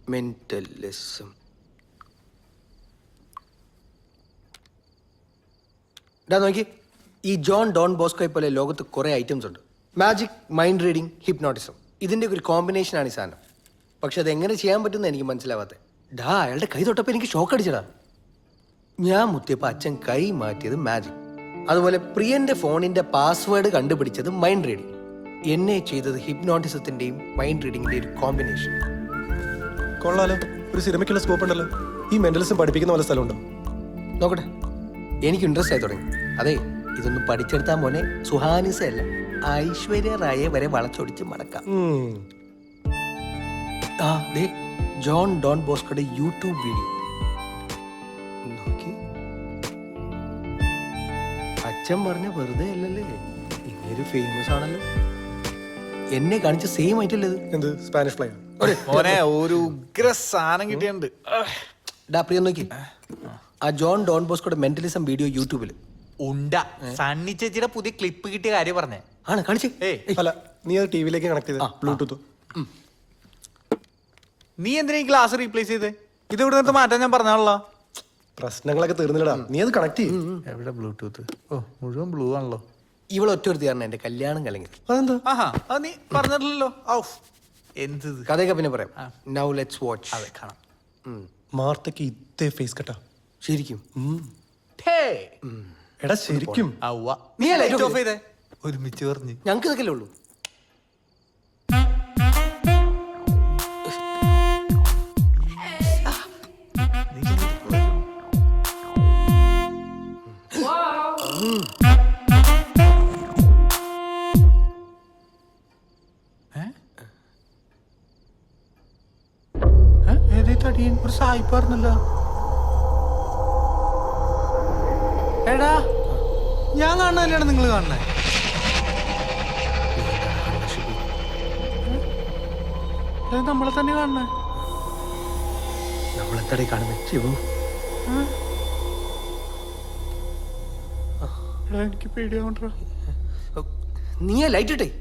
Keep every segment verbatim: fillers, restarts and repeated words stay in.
Mentalism. ഇതാ നോക്കി, ഈ ജോൺ ഡോൺ ബോസ്കോയെ പോലെ ലോകത്ത് കുറേ ഐറ്റംസ് ഉണ്ട്. മാജിക്, മൈൻഡ് റീഡിങ്, ഹിപ്നോട്ടിസം, ഇതിൻ്റെ ഒരു കോമ്പിനേഷനാണ് ഈ സാധനം. പക്ഷെ അതെങ്ങനെ ചെയ്യാൻ പറ്റുമെന്ന് എനിക്ക് മനസ്സിലാവാത്തത്. ഡാ അയാളുടെ കൈ തൊട്ടപ്പോൾ എനിക്ക് ഷോക്ക് അടിച്ചടാ. ഞാൻ മുത്തിയപ്പോൾ അച്ഛൻ കൈ മാറ്റിയത് മാജിക്, അതുപോലെ പ്രിയന്റെ ഫോണിന്റെ പാസ്വേഡ് കണ്ടുപിടിച്ചത് മൈൻഡ് റീഡിങ്, എന്നെ ചെയ്തത് ഹിപ്നോട്ടിസത്തിന്റെയും മൈൻഡ് റീഡിങ്ങിന്റെയും ഒരു കോമ്പിനേഷൻ. കൊള്ളാലോ, ഒരു സിനിമയ്ക്കുള്ള സ്കോപ്പ് ഉണ്ടല്ലോ. ഈ മെന്റലിസം പഠിപ്പിക്കുന്ന പോലെ സ്ഥലമുണ്ടോ? നോക്കട്ടെ, എനിക്ക് ഇൻട്രസ്റ്റ് ആയി തുടങ്ങി. അതെ, ഇതൊന്നും പഠിച്ചെടുത്താൽ മോനെ സുഹാനിസ അല്ല, ഐശ്വര്യ റായെ വരെ വളച്ചൊടിച്ച് മടക്കാം. ആ ദേ ജോൺ ഡോൺ ബോസ്കോയുടെ യൂട്യൂബ് വീഡിയോ നോക്കി. അച്ഛൻ പറഞ്ഞ വെറുതെ അല്ലല്ലേ, ഇങ്ങനൊരു ഫേമസ് ആണല്ലോ. എന്നെ കാണിച്ച സെയിം ആയിട്ടല്ലേ ഇത്? എന്ത് സ്പാനിഷ് ഫ്ലൈ? ഒരു ഉഗ്ര സാധനം കിട്ടിയുണ്ട്. ഡാ പ്രിയ നോക്കി, ആ ജോൺ ഡോൺ ബോസ്കോയുടെ മെന്റലിസം വീഡിയോ യൂട്യൂബിൽ ഉണ്ട. സണ്ണി ചേച്ചിയുടെ പുതിയ ക്ലിപ്പ് കിട്ടിയ കാര്യം പറഞ്ഞേ. ആണ് കാണിച്ചേ. അല്ല, നീ അത് ടിവിയിലേക്ക് കണക്ട് ചെയ്ത ബ്ലൂടൂത്ത്. നീ എന്തിനാ ഈ ഗ്ലാസ് റീപ്ലേസ് ചെയ്തേ? ഇത് ഇവിടെ നിന്ന് മാറ്റാൻ ഞാൻ പറഞ്ഞാണല്ലോ. പ്രശ്നങ്ങളൊക്കെ തീർന്നില്ലടാ, നീ അത് കണക്ട് ചെയ്യും. എവിടെ ബ്ലൂടൂത്ത്? ഓ, മുഴുവൻ ബ്ലൂ ആണല്ലോ. ഇവളെ ഒറ്റ ഒരു കാരണം എന്റെ കല്യാണം കലങ്ങി. അതെന്താ? ആഹാ, അത് നീ പറഞ്ഞിട്ടില്ലല്ലോ. എന്ത് കഥയൊക്കെ പിന്നെ പറയാം. Now let's watch. അതെ, കാണാം. മാർത്തക്ക് ഇതേ ഫേസ് കട്ടാ ശരിക്കും. എടാ ശരിക്കും. നീ ലൈറ്റ് ഓഫ് ചെയ്തേ. ഒരുമിച്ച് പറഞ്ഞു. ഞങ്ങൾക്ക് ഇതൊക്കെ ഉള്ളൂ. ഒരു സായിപ്പാർന്നല്ലോ. എടാ, ഞാൻ കാണുന്നതല്ലാണ് നിങ്ങൾ കാണുന്നേ. നമ്മളെ തന്നെ കാണുന്നേ. നമ്മളെന്താടേ കാണുന്നേ? ശിവു, എനിക്ക് പേടിയാവണ്ട. നീ ലൈറ്റ് ഇട്ടേ.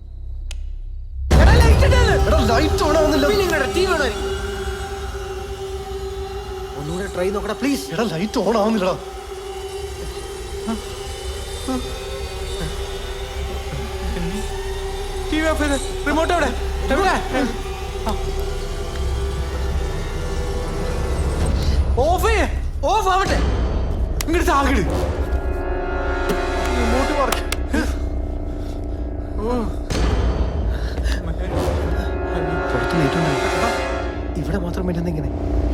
ഒന്നുകൂടെ ട്രൈ നോക്കടാ പ്ലീസ്. എടാ ലൈറ്റ് ഓൺ ആവുന്നില്ലടാ. ടിവി ഓഫ് ചെയ്ത്. റിമോട്ട് എവിടെ? ഓഫ് ചെയ്യേ. ഓഫ് ആവട്ടെ. ഇങ്ങോട്ട് താകിട്. Remote work. പുറത്ത് ലൈറ്റ് ഉണ്ട്, ഇവിടെ മാത്രം പറ്റുന്ന ഇങ്ങനെ.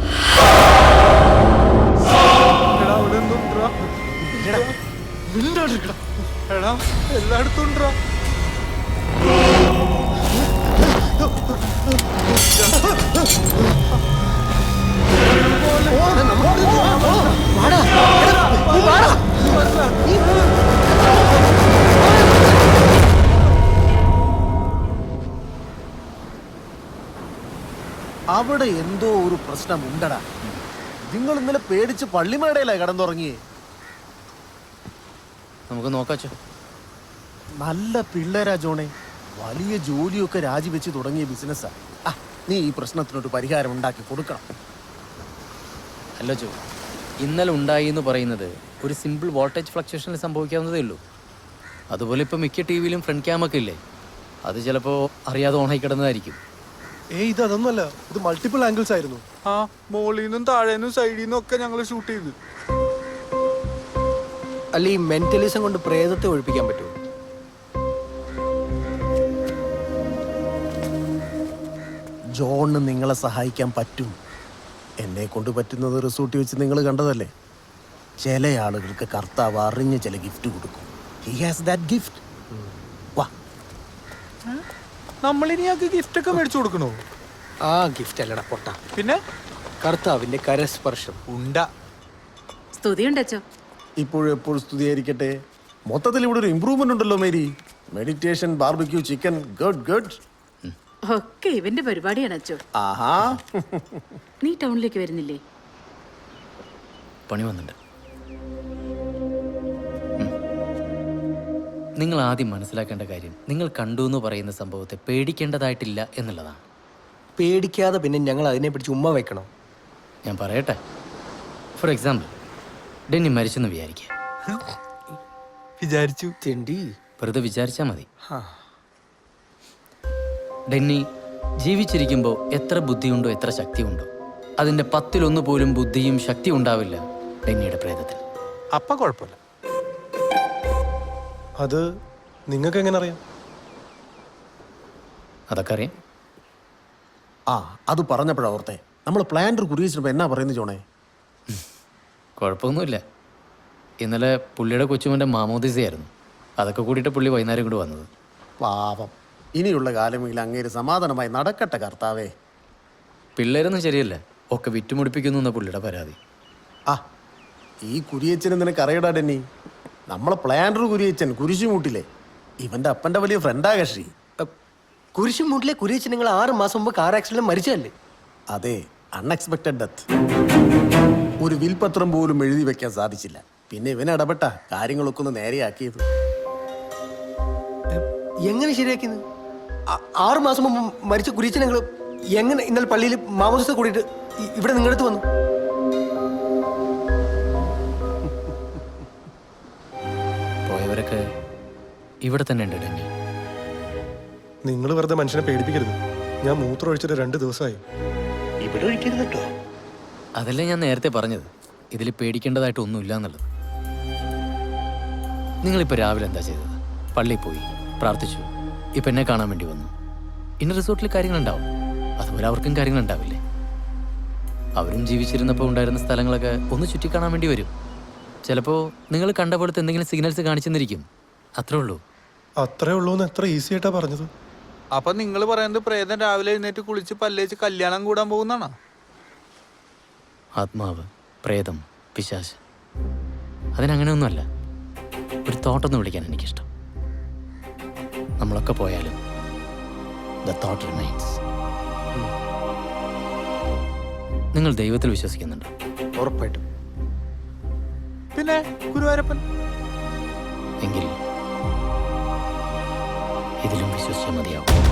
എടാ, എല്ലായിടത്തും ഉണ്ടോ? അവിടെ എന്തോ ഒരു പ്രശ്നം ഉണ്ടടാ. നിങ്ങൾ ഇന്നലെ പേടിച്ച് പള്ളിമേടയിലാ കിടന്നുറങ്ങിയേ. നമുക്ക് നോക്കാച്ചോ. നല്ല പിള്ളേരാ ജോണെ, വലിയ ജോലിയൊക്കെ രാജിവെച്ച് തുടങ്ങിയ ബിസിനസ്സാ. ആ, നീ ഈ പ്രശ്നത്തിനൊരു പരിഹാരം ഉണ്ടാക്കി കൊടുക്കണം. അല്ല ജോ, ഇന്നലെ ഉണ്ടായി എന്ന് പറയുന്നത് ഒരു സിമ്പിൾ വോൾട്ടേജ് ഫ്ലക്ച്വേഷനിൽ സംഭവിക്കാവുന്നതേ ഉള്ളൂ. അതുപോലെ ഇപ്പോൾ മിക്ക ടി വിയിലും ഫ്രണ്ട് ക്യാമൊക്കെ ഇല്ലേ, അത് ചിലപ്പോൾ അറിയാതെ ഓണായി കിടന്നതായിരിക്കും. ഏയ് ഇത് അതൊന്നുമല്ല, ഇത് മൾട്ടിപ്പിൾ ആംഗിൾസ് ആയിരുന്നു. ആ, മോളിന്നും താഴേന്നും സൈഡിൽ നിന്നും ഒക്കെ ഞങ്ങൾ ഷൂട്ട് ചെയ്തു. അല്ല, ഈ മെന്റലിസം കൊണ്ട് പ്രേതത്തെ ഒഴിപ്പിക്കാൻ പറ്റുമോ? ജോണിന് നിങ്ങളെ സഹായിക്കാൻ പറ്റും. എന്നെ കൊണ്ട് പറ്റുന്നത് റിസോർട്ട് വെച്ച് നിങ്ങൾ കണ്ടതല്ലേ. ചില ആളുകൾക്ക് കർത്താവ് അറിഞ്ഞ് ചില ഗിഫ്റ്റ് കൊടുക്കും. He has that gift. വാ, നമ്മളിനി ആൾക്ക് ഗിഫ്റ്റ് ഒക്കെ മേടിച്ചു കൊടുക്കണോ? ആ ഗിഫ്റ്റ് അല്ലടാ പൊട്ട, പിന്നെ കർത്താവിന്റെ കരസ്പർശം. ഉണ്ട. സ്തുതിയുണ്ടോ? ഇപ്പോഴും എപ്പോഴും സ്തുതിയായിരിക്കട്ടെ. മൊത്തത്തിൽ ഇവിടെ ഒരു ഇമ്പ്രൂവ്മെന്റ് ഉണ്ടല്ലോ Mary. Meditation, barbecue chicken, good good. ഒക്കെ ഇവന്റെ പരിപാടിയാണ് അച്ചോ. ആഹാ, നീ ടൗണിലേക്ക് വരുന്നില്ലേ? പണി വന്നിട്ടുണ്ട്. നിങ്ങൾ ആദ്യം മനസ്സിലാക്കേണ്ട കാര്യം, നിങ്ങൾ കണ്ടു എന്ന് പറയുന്ന സംഭവത്തെ പേടിക്കേണ്ടതായിട്ടില്ല എന്നുള്ളതാണ്. പേടിക്കാതെ പിന്നെ ഞങ്ങൾ അതിനെ പിടിച്ച് ഉമ്മ വെക്കണം. ഞാൻ പറയട്ടെ, ഫോർ എക്സാമ്പിൾ ഡെന്നി മരിച്ചെന്ന് വിചാരിക്കുക. വിചാരിച്ചു. തിണ്ടി. വെറുതെ വിചാരിച്ചാൽ മതി. ഹാ. ഡെന്നി ജീവിച്ചിരിക്കുമ്പോൾ എത്ര ബുദ്ധിയുണ്ടോ എത്ര ശക്തിയുണ്ടോ അതിൻ്റെ പത്തിലൊന്ന് പോലും ബുദ്ധിയും ശക്തിയും ഉണ്ടാവില്ല ഡെന്നിയുടെ പ്രേതത്തിൽ. അപ്പ കുഴപ്പമില്ല. അത് നിങ്ങൾക്ക് എങ്ങനെ അറിയാം? അതൊക്കെ അറിയാം. ആ അത് പറഞ്ഞപ്പോഴാ ഓർത്തെ, നമ്മൾ പ്ലാന്റർ കുറിയിച്ചപ്പോൾ എന്നാ പറയുന്നത് ജോണേ? കുഴപ്പമൊന്നുമില്ല. ഇന്നലെ പുള്ളിയുടെ കൊച്ചുമൻ്റെ മാമോദിസയായിരുന്നു. അതൊക്കെ കൂടിയിട്ട് പുള്ളി വൈകുന്നേരം കൂടി വന്നത്. പാവം, ഇനിയുള്ള കാലമെങ്കിൽ അങ്ങേര് സമാധാനമായി നടക്കട്ടെ കർത്താവേ. പിള്ളേരൊന്നും ശരിയല്ല, ഒക്കെ വിറ്റുമുടിപ്പിക്കുന്നു എന്ന പുള്ളിയുടെ പരാതി. ആ ഈ കുരിയച്ചന് നിനക്ക് അറിയടാ ഡെന്നി, നമ്മളെ പ്ലാന്റർ കുരിയച്ചൻ കുരിശുമൂട്ടിലെ ഇവന്റെ അപ്പന്റെ വലിയ ഫ്രണ്ടാ കക്ഷി. കുരിശുമൂട്ടിലെ കുരിയച്ചൻ നിങ്ങൾ ആറ് മാസം മുമ്പ് കാർ ആക്സിഡന്റ് മരിച്ചതല്ലേ? അതെ, അൺഎക്സ്പെക്റ്റഡ് ഡെത്ത്. ഒരു വിൽപത്രം പോലും എഴുതി വെക്കാൻ സാധിച്ചില്ല. പിന്നെ ഇവൻ ഇടപെട്ട കാര്യങ്ങളൊക്കെ ഒന്ന് നേരെയാക്കിയത്. എങ്ങനെ ശരിയാക്കിയത്? ആ- ആറ് മാസം മുമ്പ് മരിച്ച കുരിയച്ചൻ നിങ്ങൾ എങ്ങനെ ഇന്നലെ പള്ളിയിൽ മാമോദിസ കൂടിയിട്ട് ഇ- ഇവിടെ നിങ്ങളുടെ അടുത്ത് വന്നു? പോയവരൊക്കെ ഇവിടെ തന്നെ ഉണ്ട് ഡെന്നി. നിങ്ങൾ വെറുതെ മനുഷ്യനെ പേടിപ്പിക്കരുത്. ഞാൻ മൂത്രം ഒഴിച്ചിട്ട് രണ്ട് ദിവസമായി. ഇവിടെ ഒഴിക്കരുത് കേട്ടോ. അതല്ലേ ഞാൻ നേരത്തെ പറഞ്ഞത്, ഇതിൽ പേടിക്കേണ്ടതായിട്ട് ഒന്നുമില്ല എന്നുള്ളത്. നിങ്ങളിപ്പോൾ രാവിലെ എന്താ ചെയ്തത്? പള്ളിയിൽ പോയി പ്രാർത്ഥിച്ചു, ഇപ്പം എന്നെ കാണാൻ വേണ്ടി വന്നു. ഇന്ന റിസോർട്ടിൽ കാര്യങ്ങളുണ്ടാവും, അതുപോലെ അവർക്കും കാര്യങ്ങളുണ്ടാവില്ലേ? അവരും ജീവിച്ചിരുന്നപ്പോൾ ഉണ്ടായിരുന്ന സ്ഥലങ്ങളൊക്കെ ഒന്ന് ചുറ്റിക്കാണാൻ വേണ്ടി വരും. ചിലപ്പോൾ നിങ്ങൾ കണ്ട പോലത്തെ എന്തെങ്കിലും സിഗ്നൽസ് കാണിച്ചെന്നിരിക്കും, അത്രേ ഉള്ളൂ. അത്രേ ഉള്ളൂ എന്ന് എത്ര ഈസി ആയിട്ടാ പറഞ്ഞത്. അപ്പൊ നിങ്ങൾ പറയുന്നത് പ്രേതം രാവിലെ എഴുന്നേറ്റ് കുളിച്ച് പല്ലേച്ച് കല്യാണം കൂടാൻ പോകുന്നാണോ? ആത്മാവ്, പ്രേതം, പിശാച്, അതിനങ്ങനെയൊന്നുമല്ല. ഒരു തോട്ടൊന്ന് വിളിക്കാൻ എനിക്കിഷ്ടം. നമ്മളൊക്കെ പോയാലും ദ തോട്ട് റിമൈൻസ്. നിങ്ങൾ ദൈവത്തിൽ വിശ്വസിക്കുന്നുണ്ടോ? ഉറപ്പായിട്ടും. പിന്നെ ഗുരുവായൂരപ്പൻ. എങ്കിൽ ഇതിലും വിശ്വസിച്ചാൽ മതിയാവും.